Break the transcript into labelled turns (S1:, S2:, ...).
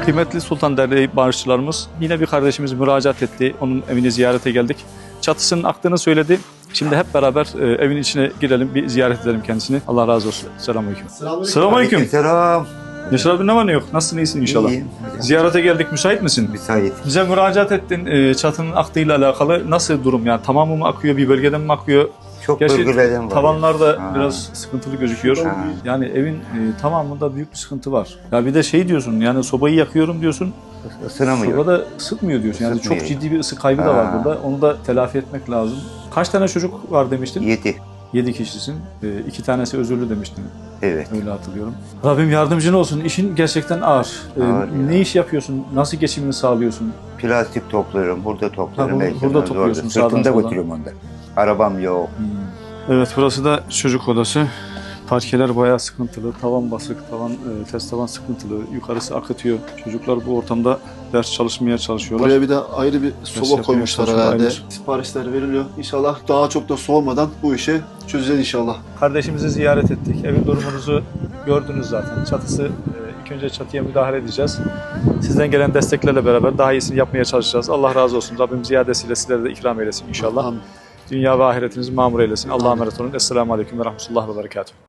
S1: Kıymetli Sultan Derneği bağışçılarımız yine bir kardeşimiz müracaat etti. Onun evini ziyarete geldik. Çatısının aktığını söyledi. Şimdi hep beraber evin içine girelim, bir ziyaret edelim kendisini. Allah razı olsun. Selamünaleyküm. Selamünaleyküm.
S2: Selam.
S1: Yaşar abi, ne var ne yok? Nasılsın, iyisin inşallah?
S2: İyiyim.
S1: Ziyarete geldik, müsait misin?
S2: Müsait.
S1: Bize müracaat ettin, çatının aktığıyla alakalı. Nasıl durum yani? Tamamı mı akıyor, bir bölgeden mi akıyor?
S2: Çok
S1: Gerçi
S2: bölgelerden var.
S1: tavanlarda
S2: Ha.
S1: biraz sıkıntılı gözüküyor.
S2: Ha.
S1: Yani evin tamamında büyük bir sıkıntı var. Ya bir de şey diyorsun, yani sobayı yakıyorum diyorsun.
S2: Isınamıyor.
S1: Sobada ısıtmıyor diyorsun. Yani
S2: Isıtmıyor.
S1: çok ciddi bir ısı kaybı da var
S2: Ha.
S1: burada. Onu da telafi etmek lazım. Kaç tane çocuk var demiştin?
S2: 7.
S1: 7 kişisin. 2 tanesi özürlü demiştin.
S2: Evet.
S1: Öyle hatırlıyorum. Rabbim yardımcın olsun. İşin gerçekten ağır.
S2: Ağır ya.
S1: Ne iş yapıyorsun? Nasıl geçimini sağlıyorsun?
S2: Plastik topluyorum. Burada topluyorum.
S1: Ha,
S2: Belki
S1: burada
S2: biraz
S1: topluyorsun,
S2: orada.
S1: sağdan
S2: Sırtımda
S1: soldan.
S2: götürüyorum onda. Arabam yok.
S1: Evet, burası da çocuk odası. Parkeler bayağı sıkıntılı. Tavan basık, test tavan sıkıntılı. Yukarısı akıtıyor. Çocuklar bu ortamda ders çalışmaya çalışıyorlar.
S3: Buraya bir de ayrı bir soba
S1: yapmaya
S3: koymuşlar
S1: çalışıyorlar,
S3: herhalde.
S1: aynen.
S3: Siparişler veriliyor. İnşallah daha çok da soğumadan bu işi çözeceğiz inşallah.
S1: Kardeşimizi ziyaret ettik. Evin durumunuzu gördünüz zaten. Çatısı, ilk önce çatıya müdahale edeceğiz. Sizden gelen desteklerle beraber daha iyisini yapmaya çalışacağız. Allah razı olsun. Rabbim ziyadesiyle sizlere de ikram eylesin inşallah.
S3: Amin.
S1: Dünya ve ahiretinizi mamur eylesin. Allah'a emanet olun. Esselamu Aleyküm ve Rahmetullah ve Berekatuhu.